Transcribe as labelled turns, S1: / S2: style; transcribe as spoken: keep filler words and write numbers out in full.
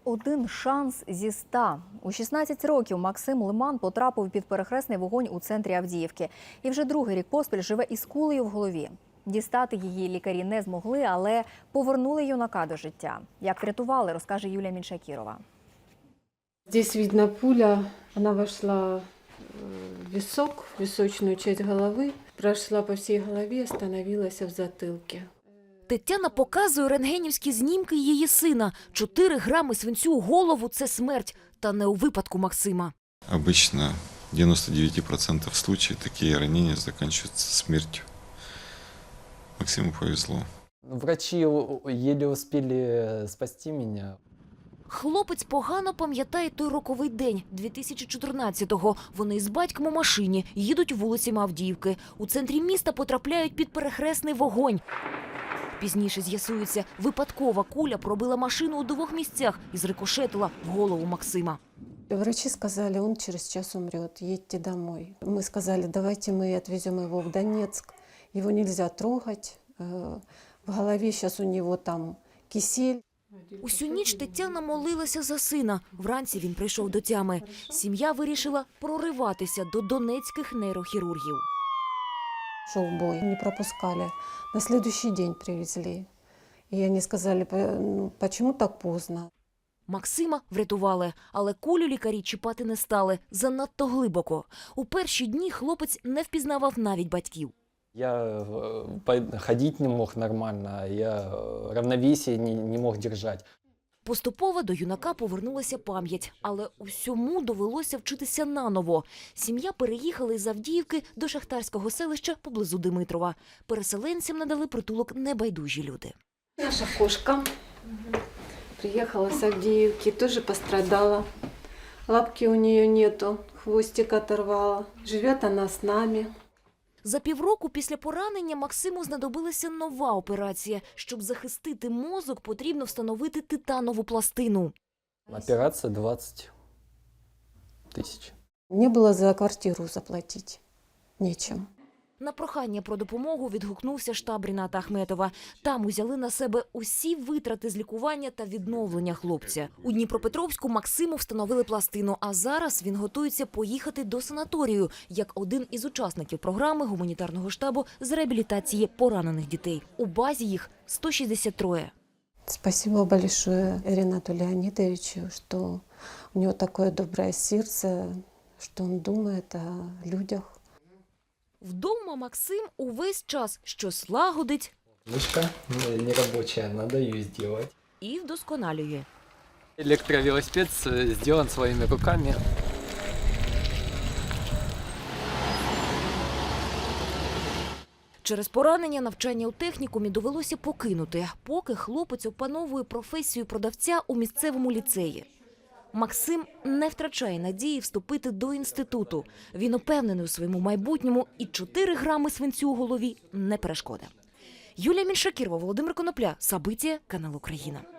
S1: Один шанс зі ста. У шістнадцять років Максим Лиман потрапив під перехресний вогонь у центрі Авдіївки. І вже другий рік поспіль живе із кулею в голові. Дістати її лікарі не змогли, але повернули юнака до життя. Як врятували, розкаже Юлія Міншакірова.
S2: Здесь видно пуля, она вошла в висок, в височную часть головы, прошла по всей голове, остановилась в затылке.
S3: Тетяна показує рентгенівські знімки її сина. Чотири грами свинцю у голову – це смерть. Та не у випадку Максима.
S4: Обычно в девяноста девяти процентах случаев такие ранения заканчиваются смертью. Максиму повезло.
S5: Врачи еле успели спасти меня.
S3: Хлопець погано пам'ятає той роковий день, дві тисячі чотирнадцятого. Вони з батьком у машині їдуть вулицями Авдіївки. У центрі міста потрапляють під перехресний вогонь. Пізніше з'ясується, випадкова куля пробила машину у двох місцях і зрикошетила в голову Максима.
S2: Врачи сказали, он через час умрет, едьте домой. Мы сказали, давайте мы отвезем его в Донецк. Его нельзя трогать, в голове сейчас у него там кисель.
S3: Усю ніч Тетяна молилася за сина. Вранці він прийшов до тями. Сім'я вирішила прориватися до донецьких нейрохірургів.
S2: Шел бой, не пропускали. На следующий день привезли. И они сказали, ну, почему так поздно?
S3: Максима врятували, але кулю лікарі чіпати не стали. Занадто глибоко. У перші дні хлопець не впізнавав навіть батьків.
S5: Я ходить не мог нормально, я равновесие не, не мог держать.
S3: Поступово до юнака повернулася пам'ять, але усьому довелося вчитися наново. Сім'я переїхала із Авдіївки до шахтарського селища поблизу Димитрова. Переселенцям надали притулок небайдужі люди.
S2: Наша кошка приехала с Авдеевки, тоже пострадала. Лапки у нее нету, хвостик оторвала. Живет она с нами.
S3: За півроку після поранення Максиму знадобилася нова операція. Щоб захистити мозок, потрібно встановити титанову пластину.
S5: Операция двадцать тысяч.
S2: Мне было за квартиру заплатить нечем.
S3: На прохання про допомогу відгукнувся штаб Ріната Ахметова. Там узяли на себе усі витрати з лікування та відновлення хлопця. У Дніпропетровську Максиму встановили пластину, а зараз він готується поїхати до санаторію, як один із учасників програми гуманітарного штабу з реабілітації поранених дітей. У базі їх сто шістдесят три.
S2: Спасибо большое Ринату Леонидовичу, что у него такое доброе сердце, что он думает о людях.
S3: Вдома Максим увесь час щось лагодить
S5: Мышка не рабочая, надо ее сделать.
S3: і вдосконалює.
S5: Электровелосипед сделан своими руками.
S3: Через поранення навчання у технікумі довелося покинути, поки хлопець опановує професію продавця у місцевому ліцеї. Максим не втрачає надії вступити до інституту. Він упевнений у своєму майбутньому і чотири грами свинцю у голові не перешкода. Юлія Міншакірова, Володимир Конопля, Сабиття, канал Україна.